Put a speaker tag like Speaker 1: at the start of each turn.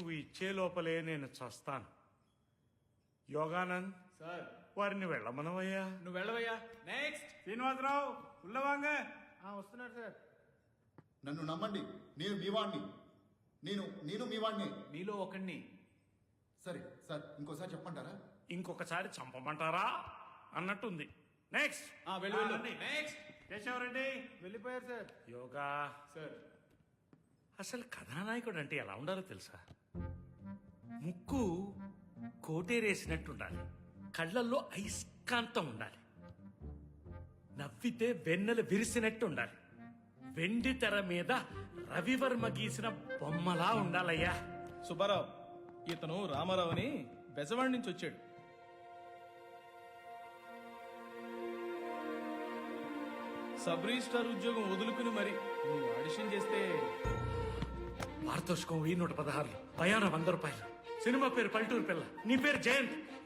Speaker 1: నువ్వు ఇచ్చే లోపలే నేను చస్తాను. యోగానంద్,
Speaker 2: సార్
Speaker 1: వారిని వెళ్ళమనవయ్యా.
Speaker 2: నువ్వు వెళ్ళవయ్యా. నెక్స్ట్
Speaker 3: శ్రీనివాసరావు ఉల్లవాంగ.
Speaker 2: వస్తున్నాడు సార్.
Speaker 4: నన్ను నమ్మండి, నేను మీ వాణ్ణి. నేను మీ వాణ్ణి.
Speaker 2: మీలో ఒకడిని.
Speaker 4: సరే సార్, ఇంకోసారి చెప్పంటారా?
Speaker 1: ఇంకొకసారి చంపమంటారా అన్నట్టుంది. నెక్స్ట్
Speaker 2: వెళ్ళు వెళ్ళు.
Speaker 3: రండి.
Speaker 2: నెక్స్ట్
Speaker 3: కేశవరెడ్డి.
Speaker 2: వెళ్ళిపోయారు సార్.
Speaker 1: యోగా,
Speaker 2: సార్
Speaker 1: అసలు కథానాయకుడు అంటే ఎలా ఉండాలో తెలుసా? ముక్కు కోటేరేసినట్టుండాలి, కళ్ళల్లో అయస్కాంతం ఉండాలి, నవ్వితే వెన్నెలు విరిసినట్టు ఉండాలి, వెండి తెర మీద రవివర్మ గీసిన బొమ్మలా ఉండాలయ్యా.
Speaker 5: సుబ్బారావు, ఇతను రామారావు అని బెజవాడి నుంచి వచ్చాడు. సబ్ రిజిస్ట్రార్ ఉద్యోగం వదులుకుని మరి నువ్వు ఆడిషన్ చేస్తే
Speaker 1: పారితోషికం 1116, ప్రయాణం 100 రూపాయలు, సినిమా పేరు పల్లెటూరు పిల్ల, నీ పేరు జయంత్.